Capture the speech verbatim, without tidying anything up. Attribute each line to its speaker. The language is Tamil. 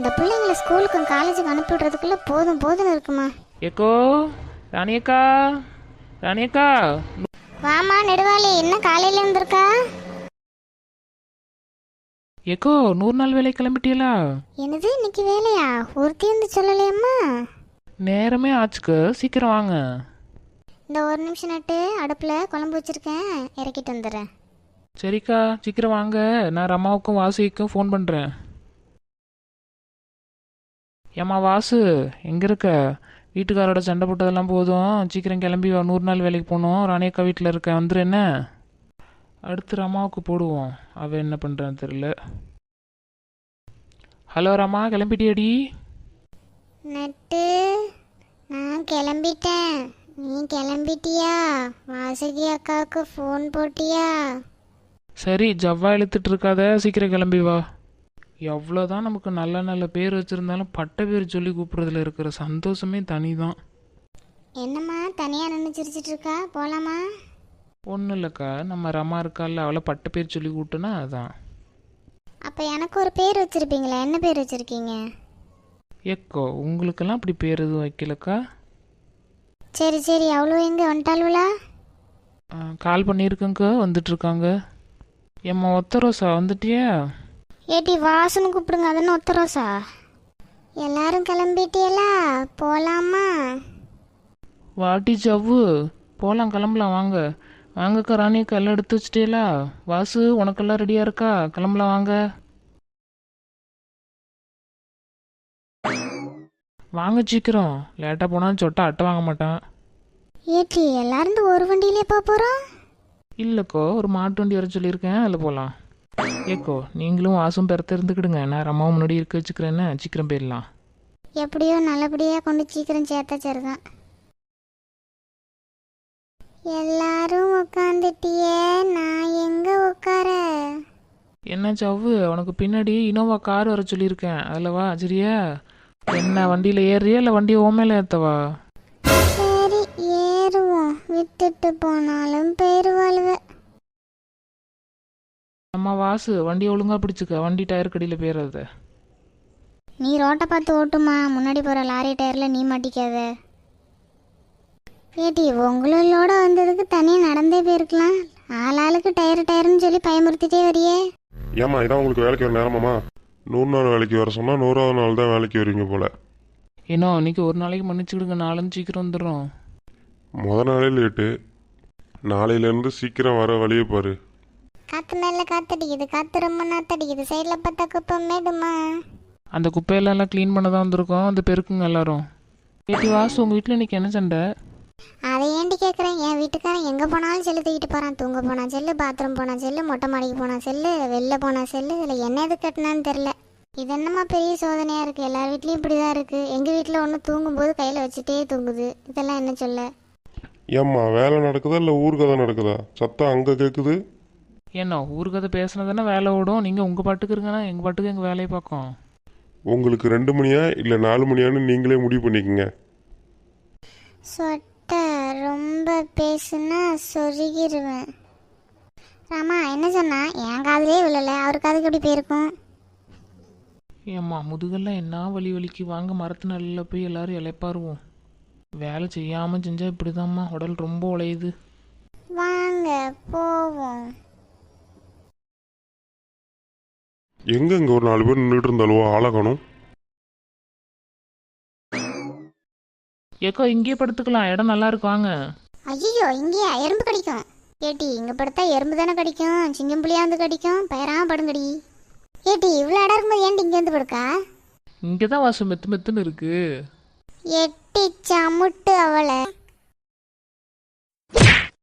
Speaker 1: இந்த பிள்ளைங்களை ஸ்கூலுக்கும் காலேஜுக்கு அனுப்பி விடுறதுக்குள்ள போதும் போதும் இருக்குமா.
Speaker 2: ஏக்கோ ராணியக்கா, ராணியக்கா
Speaker 1: வாமா நெடுவாளி, என்ன காலையில இருந்திருக்கா?
Speaker 2: ஏக்கோ நூறு நாள் வேலை கிளம்பிட்டீங்களா?
Speaker 1: என்னது இன்னைக்கு வேலையா? ஒருத்தி வந்து சொல்லலையம்மா.
Speaker 2: நேரமே ஆச்சுக்கு, சீக்கிரம் வாங்க.
Speaker 1: இந்த ஒரு நிமிஷம் நட்டு அடுப்பில் குழம்பு வச்சிருக்கேன், இறக்கிட்டு வந்துடுறேன்.
Speaker 2: சரிக்கா சீக்கிரம் வாங்க, நான் ரமாவுக்கும் வாசுக்கும் ஃபோன் பண்ணுறேன். ஏம்மா வாசு எங்கே இருக்க? வீட்டுக்காரோட சண்டை போட்டதெல்லாம் போதும், சீக்கிரம் கிளம்பி வா, நூறு நாள் வேலைக்கு போகணும். ராணியக்கா வீட்டில் இருக்க, வந்துரு என்ன? அடுத்து ரமாவுக்கு போடுவோம், அவள் என்ன பண்ணுறான்னு தெரியல. ஹலோ ரமா, கிளம்பிட்டியாடி?
Speaker 1: நட்டு நான் கிளம்பிட்டேன், நீ கிளம்பிட்டியா? வாசுகி அக்காவுக்கு ஃபோன் போட்டியா?
Speaker 2: சரி ஜவ்வா இழுத்துட்டு இருக்காத, சீக்கிரம் கிளம்பி வா. எவ்வளோதான் நமக்கு நல்ல நல்ல பேர் வச்சுருந்தாலும் பட்ட பேர் சொல்லி கூப்பிட்றதுல இருக்கிற சந்தோஷமே தனி தான்.
Speaker 1: என்னம்மா தனியாக நின்று சிரிச்சிட்டு இருக்கா? போகலாமா?
Speaker 2: ஒன்றும் இல்லைக்கா, நம்ம ரமா இருக்கால, அவளை பட்ட பேர் சொல்லி கூப்பிட்டுனா அதான்.
Speaker 1: அப்போ எனக்கு ஒரு பேர் வச்சுருப்பீங்களா? என்ன பேர் வச்சுருக்கீங்க?
Speaker 2: ஏக்கோ உங்களுக்கெல்லாம் அப்படி பேர் எதுவும் வைக்கலக்கா.
Speaker 1: சரி சரி, அவ்வளோ எங்கே வந்துட்டாளுவலா?
Speaker 2: கால் பண்ணியிருக்கேங்க்கா, வந்துட்டுருக்காங்க. ஏம்மா ஒத்த ரோசா வந்துட்டியா?
Speaker 1: ஏட்டி வாசனை கூப்பிடுங்க, அதுன்னு ஒத்த ரோசா. எல்லாரும் கிளம்பிட்டியலா? போகலாமா?
Speaker 2: வாட்டி ஜவ்வு, போகலாம் கிளம்பலாம் வாங்க. வாங்கக்கா ராணியக்கா, எல்லாம் எடுத்து வச்சிட்டீங்களா? வாசு உனக்கெல்லாம் ரெடியாக இருக்கா? கிளம்பலாம் வாங்க. வாங்க சீக்கிரம், லேட்டாக போனாலும் சொட்டா அட்டை வாங்க மாட்டான்.
Speaker 1: ஏட்டி எல்லாரும் ஒரு வண்டியிலே போக போகிறோம்?
Speaker 2: இல்லைக்கோ, ஒரு மாட்டு வண்டி வர சொல்லியிருக்கேன், அதில் போகலாம். ஏக்கோ நீங்களும் வாசும் பெறத்த இருந்துக்கிடுங்க, நான் ரம்மாவும் முன்னாடி இருக்க வச்சுக்கிறேன்னு, சீக்கிரம் போயிடலாம்.
Speaker 1: எப்படியோ நல்லபடியாக கொண்டு சீக்கிரம் சேர்த்தா சரிதான். எல்லாரும் உட்காந்துட்டியே, நான் எங்க உட்கார?
Speaker 2: என்ன சவ்வு, உனக்கு பின்னாடி இனோவா கார் வர சொல்லியிருக்கேன், அதில் வா சரியா? என்ன வண்டியில் ஏறியா இல்லை வண்டியை ஓமையில ஏற்றவா?
Speaker 1: சரி ஏறுவோம், விட்டுட்டு போனாலும் போயிருவாளுவ.
Speaker 2: அம்மா வாசு வண்டியை ஒழுங்காக பிடிச்சிக்க, வண்டி டயர் கடியில் போயிடாத.
Speaker 1: நீ ரோட்டை பார்த்து ஓட்டுமா, முன்னாடி போகிற லாரி டயரில் நீ மாட்டிக்காத. ஏட்டி உங்களோட வந்ததுக்கு தனியாக நடந்தே போயிருக்கலாம், ஆளாளுக்கு டயர் டயர்னு சொல்லி பயமுறுத்திட்டே வரியே.
Speaker 3: ஏம்மா இதான் உங்களுக்கு வேலைக்கு வர நேரமாம்மா? நூறு நாள் வேலைக்கு வர சொன்னால் நூறாவது நாள் தான் வேலைக்கு வருவீங்க போல்.
Speaker 2: ஏன்னோ இன்னைக்கு ஒரு நாளைக்கு மன்னிச்சுக்கிடுங்க, நாளைக்கு சீக்கிரம் வந்துடுறோம்.
Speaker 3: முத நாளே லேட்டு, நாளையிலேருந்து சீக்கிரம் வர வழியை பாரு.
Speaker 1: காற்று மேலே காத்தடிக்குது, காற்று ரொம்ப நாத்தடிக்குது, சைடில் பார்த்தா குப்பை மேடுமா.
Speaker 2: அந்த குப்பையெல்லாம் க்ளீன் பண்ண தான் வந்திருக்கோம், அந்த பெருக்குங்க எல்லாரும். ஏட்டி வாசு உங்கள் வீட்டில் இன்னைக்கு என்ன சண்டை?
Speaker 1: அதை ஏண்டி கேட்குறேன்? என் வீட்டுக்காரன் எங்கே போனாலும் செல்லு தூக்கிட்டு போகிறான். தூங்க போனால் செல்லு, பாத்ரூம் போனால் செல்லு, மொட்டை மாடிக்கு போனால் செல்லு, வெளில போனால் செல்லு. இதில் என்ன எது கட்டினான்னு தெரில. இது என்னம்மா பெரிய சோதனையாக இருக்குது? எல்லார் வீட்லேயும் இப்படி தான் இருக்குது. எங்கள் வீட்டில் ஒன்று தூங்கும்போது கையில் வச்சுட்டே தூங்குது. இதெல்லாம் என்ன சொல்ல?
Speaker 3: ஏம்மா வேலை நடக்குதா இல்லை ஊர் கதை நடக்குதா? சத்தம் அங்கே கேட்குது.
Speaker 2: ஏன்னோ ஊர் கதை பேசுனதுன்னா வேலை ஓடும், நீங்கள் உங்கள் பாட்டுக்கு இருங்கன்னா எங்கள் பாட்டுக்கு எங்கள் வேலையை பார்க்கும்.
Speaker 3: உங்களுக்கு ரெண்டு மணியா இல்லை நாலு மணியான்னு நீங்களே முடிவு பண்ணிக்கங்க.
Speaker 1: சொட்ட ரொம்ப பேசுனா சொருகிடுவேன். ராமா என்ன சொன்னா? என் காதலே விழல, அவர் காதுக்கு எப்படி போயிருக்கும்?
Speaker 2: ஏம்மா முதுகெல்லாம் என்ன வலி வலிக்கு, வாங்க மரத்து நல்ல போய் எல்லாரும் இலைப்பாருவோம். வேலை செய்யாமல் செஞ்சால் இப்படிதாம்மா, உடல் ரொம்ப உழையுது.
Speaker 1: வாங்க போவோம்.
Speaker 3: எங்கே இங்கே ஒரு நாலு பேர் நின்றுட்டு இருந்தாலோ ஆளகணும்.
Speaker 2: ஏக்கோ இங்கேயே படுத்துக்கலாம், இடம் நல்லா இருக்கு வாங்க.
Speaker 1: ஐயோ இங்கேயா எறும்பு கடிக்கும்? ஏட்டி இங்கே படுத்தா எறும்பு தானே கடிக்கும், சிங்கம் புளியா வந்து கடிக்கும், பயிராம படுங்கடி. ஏட்டி இவ்வளோ இடம் இருக்கும்போது ஏன்டி இங்கே வந்து படுக்கா?
Speaker 2: இங்கே தான் வாசம் மெத்து மெத்துன்னு இருக்கு.
Speaker 1: எட்டி சமுட்டு அவளை.